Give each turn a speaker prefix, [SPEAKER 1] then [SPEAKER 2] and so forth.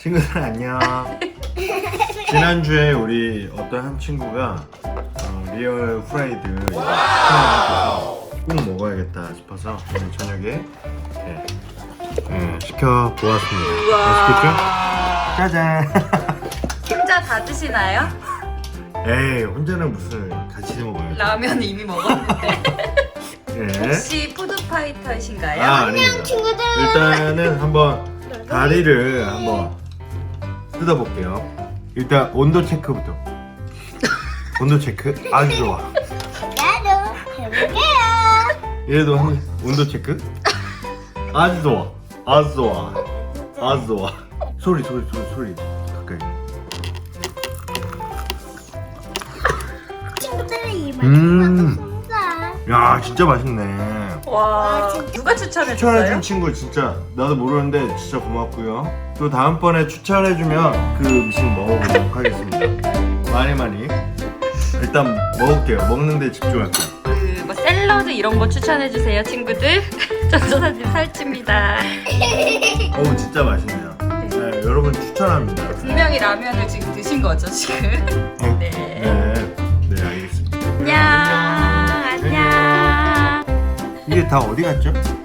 [SPEAKER 1] 친구들 안녕. 지난주에 우리 어떤 한 친구가 리얼 프라이드 시켜서 꼭 먹어야겠다 싶어서 오늘 저녁에 시켜 보았습니다. 맛있겠죠? 짜잔.
[SPEAKER 2] 혼자 다 드시나요?
[SPEAKER 1] 에이 혼자는 무슨 같이 먹어야지.
[SPEAKER 2] 라면 이미 먹었는데.
[SPEAKER 1] 예.
[SPEAKER 2] 혹시 푸드파이터이신가요?
[SPEAKER 1] 아닙니다.
[SPEAKER 3] 친구들.
[SPEAKER 1] 일단은 한번 다리를 한번 뜯어볼게요. 일단 온도 체크부터. 온도 체크 아주 좋아.
[SPEAKER 3] 나도 해볼게요.
[SPEAKER 1] 얘도 한 온도 체크 아주 좋아. 아주 좋아. 아주 좋아. 소리 가까이.
[SPEAKER 3] 친구들의 입을
[SPEAKER 1] 음.
[SPEAKER 3] 닫았습니다.
[SPEAKER 1] 야 진짜 맛있네.
[SPEAKER 2] 와, 누가
[SPEAKER 1] 추천해준
[SPEAKER 2] 추천해줬어요?
[SPEAKER 1] 친구 진짜 나도 모르는데 진짜 고맙고요. 또 다음번에 추천해주면 그 음식 먹어보도록 하겠습니다. 많이 일단 먹을게요. 먹는데 집중할게요.
[SPEAKER 2] 뭐 샐러드 이런 거 추천해주세요, 친구들. 전도사님 살찝니다.
[SPEAKER 1] 어우 진짜 맛있네요. 네, 여러분 추천합니다.
[SPEAKER 2] 분명히 라면을 지금 드신 거죠, 지금? 네.
[SPEAKER 1] 네 알겠습니다.
[SPEAKER 2] 안녕.
[SPEAKER 1] 이게 다 어디 갔죠?